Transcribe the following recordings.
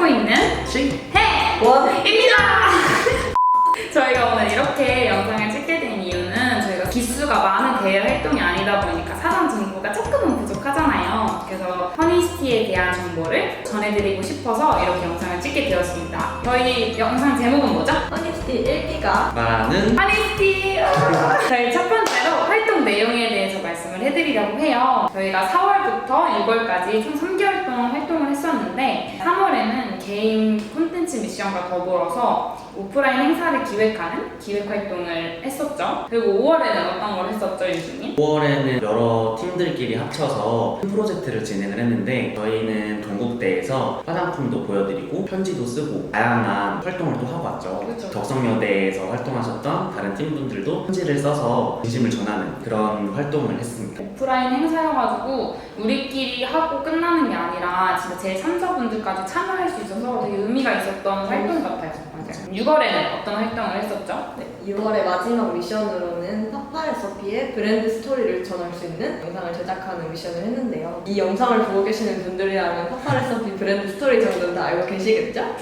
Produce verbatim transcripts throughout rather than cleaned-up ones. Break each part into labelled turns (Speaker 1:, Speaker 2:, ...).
Speaker 1: 찾고 있는 쥐해원입니다. 저희가 오늘 이렇게 영상을 찍게 된 이유는 저희가 기수가 많은 대외 활동이 아니다 보니까 사전 정보가 조금은 부족하잖아요. 그래서 허니시티에 대한 정보를 전해드리고 싶어서 이렇게 영상을 찍게 되었습니다. 저희 영상 제목은 뭐죠?
Speaker 2: 허니시티 일 기가
Speaker 1: 말하는 허니시티! 저희 첫 번째로 활동 내용에 대해서 말씀을 해드리려고 해요. 저희가 사월부터 유월까지 총 삼 개월 동안 활동을 했었는데 삼월에는 개인 콘텐츠 미션과 더불어서 오프라인 행사를 기획하는 기획 활동을 했었죠. 그리고 오월에는 어떤 걸 했었죠, 윤수님?
Speaker 3: 오월에는 여러 팀들끼리 합쳐서 큰 프로젝트를 진행을 했는데 저희는 동국대에서 화장품도 보여드리고 편지도 쓰고 다양한 활동을 또 하고 왔죠.
Speaker 1: 그렇죠.
Speaker 3: 덕성여대에서 활동하셨던 다른 팀분들도 편지를 써서 진심을 전하는 그런 활동을 했습니다.
Speaker 1: 오프라인 행사여가지고 우리끼리 하고 끝나는 게 아니라 진짜 제 삼 사분들까지 참여할 수 있어서 되게 의미가 있었던 활동 같아요. 맞아요. 유월에는 어떤 활동을 했었죠?
Speaker 2: 네, 유월의 마지막 미션으로는 파파레서피의 브랜드 스토리를 전할 수 있는 영상을 제작하는 미션을 했는데요. 이 영상을 보고 계시는 분들이라면 파파레서피 브랜드 스토리 정도는 다 알고 계시겠죠?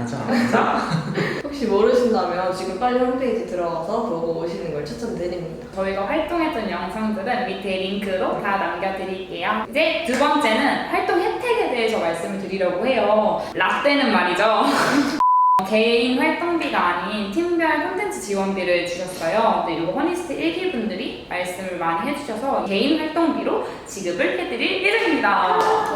Speaker 3: 당연하죠.
Speaker 2: 혹시 모르신다면 지금 빨리 홈페이지 들어가서 보고 오시는 걸 추천드립니다.
Speaker 1: 저희가 활동했던 영상들은 밑에 링크로 다 남겨드릴게요. 이제 두 번째는 활동 혜택에 대해서 말씀을 드리려고 해요. 라떼는 말이죠. 개인 활동비가 아닌 팀별 콘텐츠 지원비를 주셨어요. 근데 이거 허니시티 일 기 분들이 말씀을 많이 해주셔서 개인 활동비로 지급을 해드릴 예정입니다.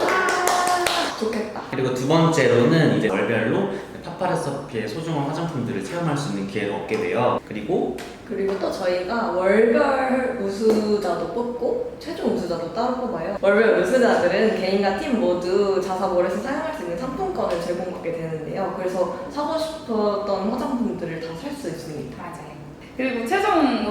Speaker 2: 좋겠다.
Speaker 3: 그리고 두 번째로는 이제 월별로 파파레서피의 소중한 화장품들을 체험할 수 있는 기회를 얻게 돼요. 그리고
Speaker 2: 그리고 또 저희가 월별 우수자도 뽑고 최종 우수자도 따로 뽑아요. 월별 우수자들은 개인과 팀 모두 자사몰에서 사용할 수 있는 상품권을 제공받게 되는데요. 그래서 사고 싶었던 화장품들을 다 살 수 있습니다.
Speaker 1: 맞아요. 그리고 최종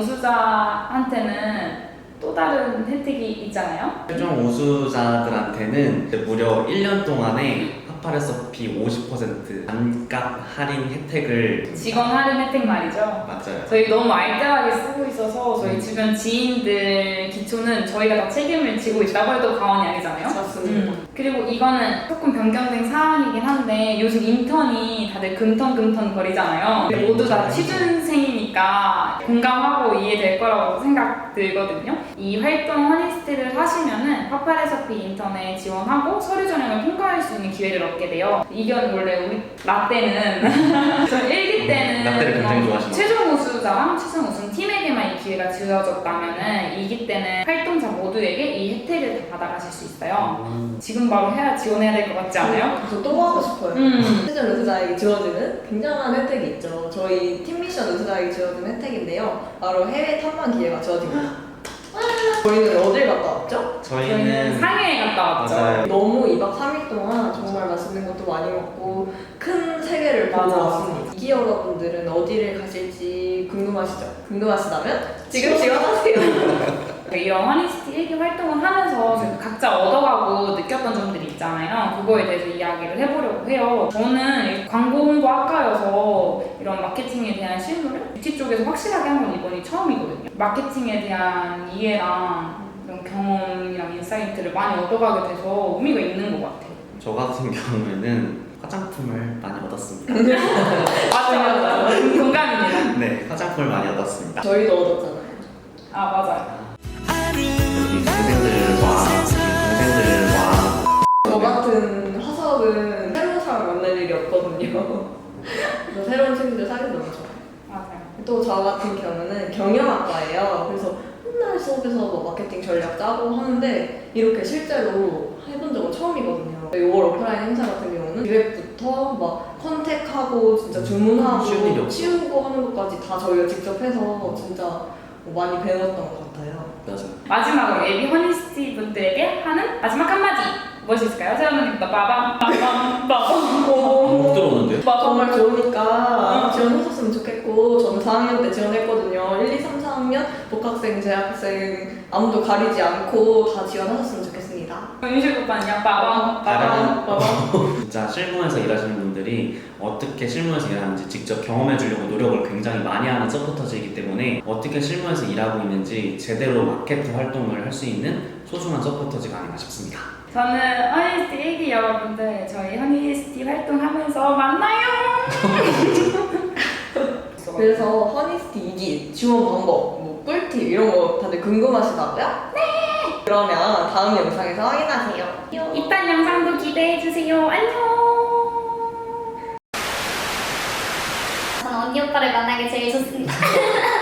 Speaker 1: 우수자한테는 또 다른 혜택이 있잖아요.
Speaker 3: 최종 우수자들한테는 무려 일 년 동안에 파파레서피 오십 퍼센트 반값 할인 혜택을
Speaker 1: 직원 할인 혜택 말이죠.
Speaker 3: 맞아요.
Speaker 1: 저희 너무 알뜰하게 쓰고 있어서 저희 주변 지인들 기초는 저희가 다 책임을 지고 있다고 해도 과언이 아니잖아요.
Speaker 2: 맞습니다.
Speaker 1: 음. 그리고 이거는 조금 변경된 사항이긴 한데 요즘 인턴이 다들 금턴금턴 거리잖아요.
Speaker 3: 네,
Speaker 1: 모두 다
Speaker 3: 맞아요.
Speaker 1: 취준생이니까 공감하고 이해될 거라고 생각 들거든요. 이 활동 허니시티를 하시면은 파파레서피 인턴에 지원하고 서류 전형을 통과할 수 있는 기회를 얻게 돼요. 이건 원래 우리 라떼는 저 일 기 때는
Speaker 3: 라떼를 굉장히 좋아하시나요?
Speaker 1: 최종 우수자랑 최종 우승 팀에게만 이 기회가 주어졌다면은 이 기 때는 활동자 모두에게 이 혜택을 다 받아가실 수 있어요.
Speaker 3: 음.
Speaker 1: 지금 바로 해야 지원해야 될 것 같지 않아요?
Speaker 2: 저 또 하고 싶어요.
Speaker 1: 음.
Speaker 2: 최종 우수자에게 주어지는 굉장한 혜택이 있죠. 저희 팀 미션 우수자에게 주어지는 혜택인데요. 바로 해외 탐방 기회가 주어집니다. 저희는 어딜 갔다 왔죠?
Speaker 1: 저희는
Speaker 3: 저희는
Speaker 1: 상해에 갔다 왔죠.
Speaker 3: 맞아요.
Speaker 2: 너무 이 박 삼 일 동안 정말 맛있는 것도 많이 먹고 큰 세계를 보고
Speaker 1: 맞아.
Speaker 2: 왔습니다. 이기 여러분들은 어디를 가실지 궁금하시죠? 궁금하시다면 지금 지원하세요.
Speaker 1: 이런 허니시티 일 기 활동을 하면서 저희가 각자 얻어가고 느꼈던 점들이 있잖아요. 그거에 대해서 이야기를 해보려고 해요. 저는 광고 홍보 학과여서 이런 마케팅에 대한 실무를 뷰티 쪽에서 확실하게 한 건 이번이 처음이거든요. 마케팅에 대한 이해랑 이런 경험이랑 인사이트를 많이 얻어가게 돼서 의미가 있는 것 같아요.
Speaker 3: 저 같은 경우에는 화장품을 많이 얻었습니다.
Speaker 1: 맞아, 맞아. 공감입니다.
Speaker 3: 네, 화장품을 많이 얻었습니다.
Speaker 2: 저희도 얻었잖아요.
Speaker 1: 아, 맞아요.
Speaker 3: 우리 동생들과 동생들과
Speaker 2: 저 같은 화석은 새로운 사람 만날 일이 없거든요. 그래서 새로운 친구들 사귀는 너무 좋아요.
Speaker 1: 맞아요.
Speaker 2: 또 저 같은 경우는 경영학과예요. 그래서 맨날 수업에서 뭐 마케팅 전략 짜고 하는데 이렇게 실제로 해본 적은 처음이거든요. 이월 오프라인 행사 같은 경우는 기획부터 막 컨택하고 진짜 주문하고
Speaker 3: 쉬운 일이 없어.
Speaker 2: 치우고 하는 것까지 다 저희가 직접 해서 진짜 뭐 많이 배웠던 것 같아요.
Speaker 3: 맞아요.
Speaker 1: 마지막으로 예비 허니시티 분들에게 하는 마지막 한마디 무엇이 있을까요? 세연님부터 빠밤 빠밤 빠밤
Speaker 3: 못 들어오는데요?
Speaker 2: 정말 좋으니까 지원하셨으면 좋겠고 저는 사 학년 때 지원했거든요. 일, 이, 삼, 사 학년 복학생, 재학생 아무도 가리지 않고 다 지원하셨으면 좋겠습니다.
Speaker 1: 윤식 오빠는요? 빠밤 빠밤 빠밤.
Speaker 3: 진짜 실무에서 일하시는 분들이 어떻게 실무에서 일하는지 직접 경험해 주려고 노력을 굉장히 많이 하는 서포터즈이기 때문에 어떻게 실무에서 일하고 있는지 제대로 마케트 활동을 할 수 있는 소중한 서포터즈가 아닌가 싶습니다.
Speaker 1: 저는 허니스티 일기 여러분들 저희 허니스티 활동하면서 만나요.
Speaker 2: 그래서 허니스티 이 기 지원 방법, 뭐 꿀팁 이런 거 다들 궁금하시다고요? 네! 그러면 다음 영상에서 확인하세요.
Speaker 1: 이딴 영상도 기대해주세요. 안녕.
Speaker 4: 저는 언니 오빠를 만나게 제일 좋습니다.